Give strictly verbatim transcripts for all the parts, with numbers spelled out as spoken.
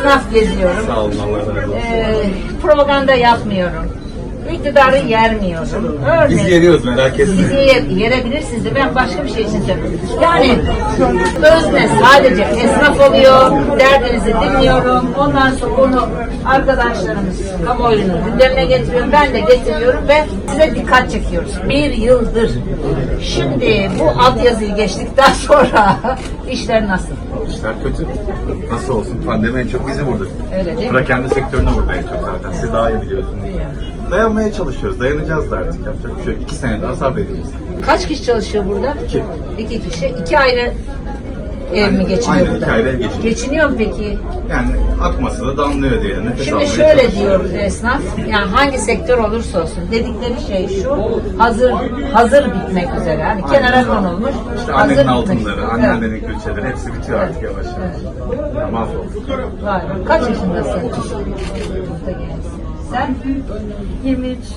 esnaf geziyorum. Sağ olun, Allah razı olsun. Ee, propaganda yapmıyorum. İktidarı yermiyorum. Örneğin, Biz yeriyoruz, merak etmeyin. Siz yer, yerebilirsiniz de ben başka bir şey için söylüyorum. Yani özne sadece esnaf oluyor, derdinizi dinliyorum. Ondan sonra onu arkadaşlarımız kamuoyunun gündemine getiriyor. Ben de getiriyorum ve size dikkat çekiyoruz. Bir yıldır. Şimdi bu altyazıyı geçtikten sonra işler nasıl? İşler kötü. Nasıl olsun? Pandemi en çok bizi vurdu. Öyle değil mi? Bırak sektörünü vurdu en çok zaten. Siz daha iyi biliyorsunuz. Dayanmaya çalışıyoruz. Dayanacağız da artık. Yapacak bir şey yok. İki sene daha sabredeceğiz. Kaç kişi çalışıyor burada? İki. İki kişi. İki ayrı ev mi geçiniyor Aynen, burada? iki ayrı ev geçiniyor. Geçiniyor mu peki? Yani akması da damlıyor diye. Nefes Şimdi almaya şöyle çalışıyoruz. diyor esnaf, yani hangi sektör olursa olsun dedikleri şey şu, hazır hazır bitmek üzere. Yani kenara konulmuş, İşte hazır annenin bitmek altınları, üzere. anneannenin külçeleri hepsi bitiyor artık yavaş yavaş. Evet. Ya mahvolduk. Vay be. Kaç yaşındasın? Burada gençsin. Sen? yirmi üç.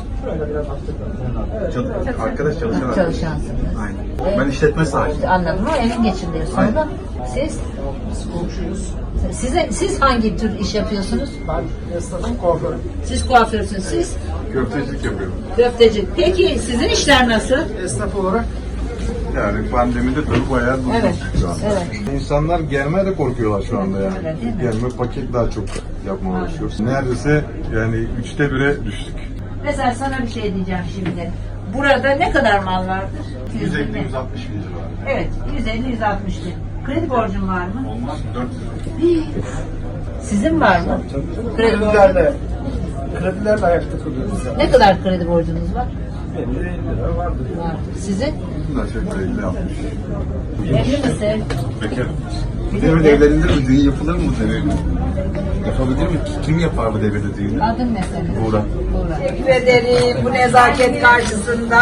Çal- arkadaş çalışan arkadaş. Çalışansın. Aynen. Ben işletme sahibiyim. Anladım ama evin geçindiriyor. Sonra Aynen. siz? Size, siz hangi tür iş yapıyorsunuz? Ben esnafım, kuaförüm. Siz kuaförsünüz, siz Köftecilik yapıyorum. köfteci. Peki sizin işler nasıl? Esnaf olarak Yani pandemide tabii bayağı durduk Evet, şu anda. evet. İnsanlar gelmeye de korkuyorlar şu anda yani. Öyle değil mi? Gelme paket daha çok yapmaya uğraşıyoruz. Neredeyse yani üçte bire düştük. Mesela sana bir şey diyeceğim şimdi. Burada ne kadar mal vardır? yüz elli yüz altmış bin lira var. Evet, yüz elli yüz altmış bin. Kredi borcun var mı? Olmaz dört yüz. Sizin var mı? Kredi borcun. kredilerle, kredilerle ayakta kalıyoruz yani. Ne kadar kredi borcunuz var? elli lira vardır. Var. Sizin? Bunlar çok elli altmış. Evli misin? Bekarım. Bu devirde evlenilir mi? Düğün yapılır mı bu devirde? Yapabilir mi? Kim yapar bu devirde düğünü? Adın ne senin? Buğra. Buğra. Teşekkür ederim bu nezaket karşısında.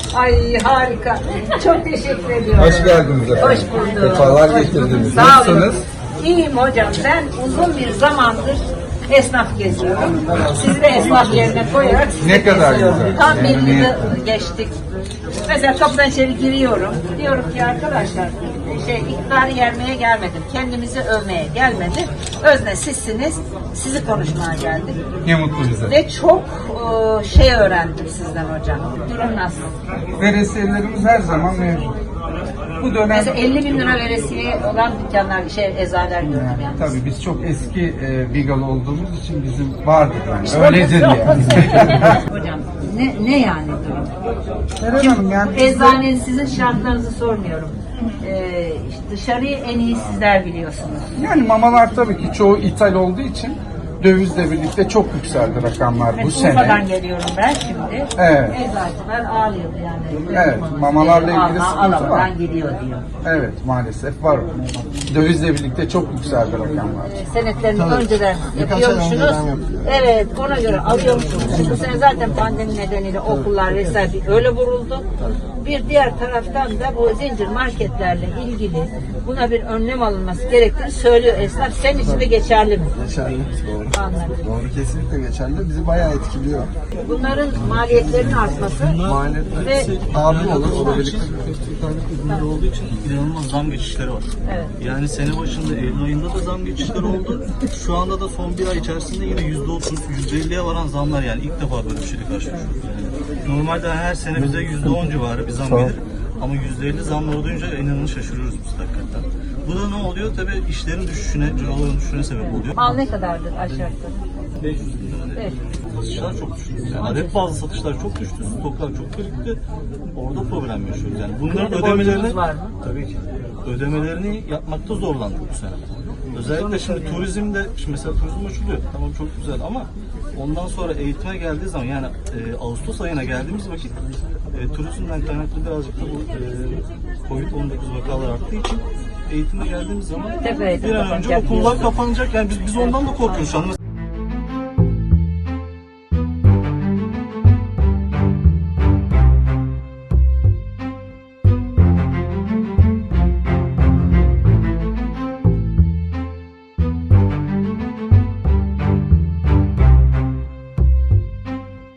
Ay harika. Çok teşekkür ediyorum. Hoş geldiniz efendim. Hoş bulduk. Sefalar Hoş getirdiniz. bulduk. Sağ olun. Nasılsınız? İyiyim hocam. Ben uzun bir zamandır esnaf geziyorum. Sizi de esnaf yerine koyarak sizi Ne kadar geziyorum. güzel. Tam bir Yani- yılı geçtik. Mesela kapıdan içeri giriyorum. Diyorum ki arkadaşlar şey iktidarı yermeye gelmedim. Kendimizi övmeye gelmedim. Özne sizsiniz. Sizi konuşmaya geldik. Ne mutlu bize. Ve çok e, şey öğrendim sizden hocam. Durum nasıl? Veresiyelerimiz her zaman mevcut. Bu dönem Mesela elli bin lira veresiye olan dükkanlar, şey eczaneler gördüm yani. tabii biz çok eski e, Bigalı olduğumuz için bizim vardır yani. İşte Öyledir o- yani. Hocam ne, ne yani durum? Eren Hanım yani Eczanenin sizin şartlarınızı sormuyorum. Ee, işte dışarıyı en iyi sizler biliyorsunuz. yani mamalar tabii ki çoğu ithal olduğu için dövizle birlikte çok yükseldi rakamlar bu Evet, Urfa'dan sene. geliyorum ben şimdi. Evet. Eczacılar ağlıyordu yani. Evet, mamalarla ilgili Alma- sıkıntı var. alamadan gidiyor diyor. Evet maalesef var. Dövizle birlikte çok yükseldi rakamlar. Senetlerini önceden yapıyormuşsunuz. Evet, ona göre alıyormuşsunuz. Bu sene zaten pandemi nedeniyle okullar vesaire öyle vuruldu. Bir diğer taraftan da bu zincir marketlerle ilgili buna bir önlem alınması gerektiğini söylüyor esnaf. Senin için de geçerli mi? Geçerli. Doğru. Anladım. Doğru, kesinlikle geçerli. Bizi bayağı etkiliyor. Bunların maliyetlerinin artması Maliyetler ve abi olur, o da birlikte. ürünleri olduğu için inanılmaz zam geçişleri var. evet. Yani sene başında Eylül ayında da zam geçişleri oldu. Şu anda da son bir ay içerisinde yine yüzde otuz, yüzde elliye varan zamlar, yani ilk defa böyle bir şeyle karşılaşıyoruz. Yani normalde her sene bize yüzde on civarı bir zam gelir. Ama yüzde elli zamlar duyunca inanın şaşırıyoruz biz hakikaten. Bu da ne oluyor? Tabii işlerin düşüşüne, ciroların düşüşüne sebep oluyor. Mal ne kadardır aşağı yukarı? beş yüz bin lira. Evet. Satışlar çok düştü. Yani adet bazı satışlar çok düştü, stoklar çok birikti. Orada problem yaşıyoruz. Yani bunların Kredi ödemelerini borcunuz var mı? tabii ki ödemelerini yapmakta zorlandık bu sene. Özellikle şimdi turizmde, şimdi mesela turizm açılıyor. Tamam, çok güzel ama ondan sonra eğitime geldiği zaman, yani e, Ağustos ayına geldiğimiz vakit e, turizmden kaynaklı birazcık da bu e, kovid on dokuz vakalar arttığı için eğitime geldiğimiz zaman Tepeye bir an önce kapanacak okullar diyorsun. kapanacak. Yani biz, biz ondan da korkuyoruz şu an.